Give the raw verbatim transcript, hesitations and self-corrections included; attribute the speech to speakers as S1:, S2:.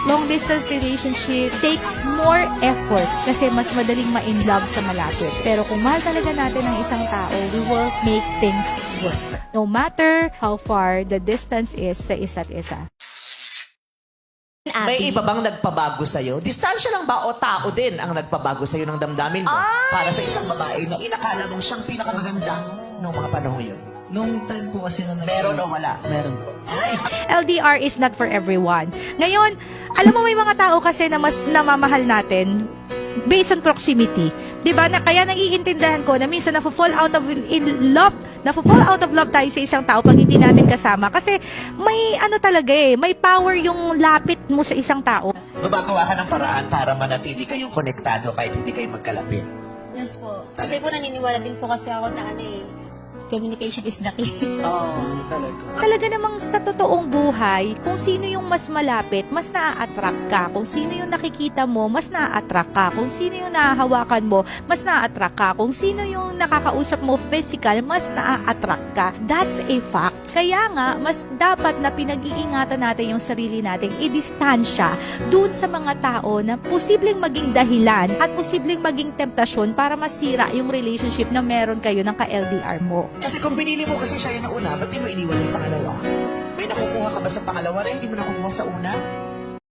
S1: long distance relationship takes more effort kasi mas madaling ma-in love sa malapit. Pero kung mahal talaga natin ang isang tao, we will make things work. No matter how far the distance is sa isa't isa.
S2: May iba bang nagpabago sa'yo? Distansya lang ba o tao din ang nagpabago sa'yo ng damdamin mo?
S3: Ay!
S2: Para sa isang babae na inakala mong siyang pinakamaganda noong mga panahon yun.
S4: Nung time po kasi na nag-
S2: Meron o wala?
S4: Meron po.
S1: L D R is not for everyone. Ngayon, alam mo may mga tao kasi na mas namamahal natin based on proximity. 'Di ba? Na kaya naiintindihan ko na minsan na-fall out of in love, na-fall out of love tayo sa isang tao pag hindi natin kasama kasi may ano talaga eh, may power yung lapit mo sa isang tao.
S2: Gumagawa ka ng paraan para manatili kayong konektado kahit hindi kayo magkalapit.
S3: Yes po. Kasi po naniniwala din po kasi ako na ano eh, communication is the key.
S2: Oo, oh, talaga.
S1: Talaga namang sa totoong buhay, kung sino yung mas malapit, mas naa-attract ka. Kung sino yung nakikita mo, mas naa-attract ka. Kung sino yung nahahawakan mo, mas naa-attract ka. Kung sino yung nakakausap mo physical, mas naa-attract ka. That's a fact. Kaya nga, mas dapat na pinag-iingatan natin yung sarili natin, i-distansya dun sa mga tao na posibleng maging dahilan at posibleng maging temptasyon para masira yung relationship na meron kayo ng ka-L D R mo.
S2: Kasi kung pinili mo kasi siya yung nauna, ba't di mo iniwan yung pangalawa? May nakukuha ka ba sa pangalawa na hindi mo nakukuha sa una?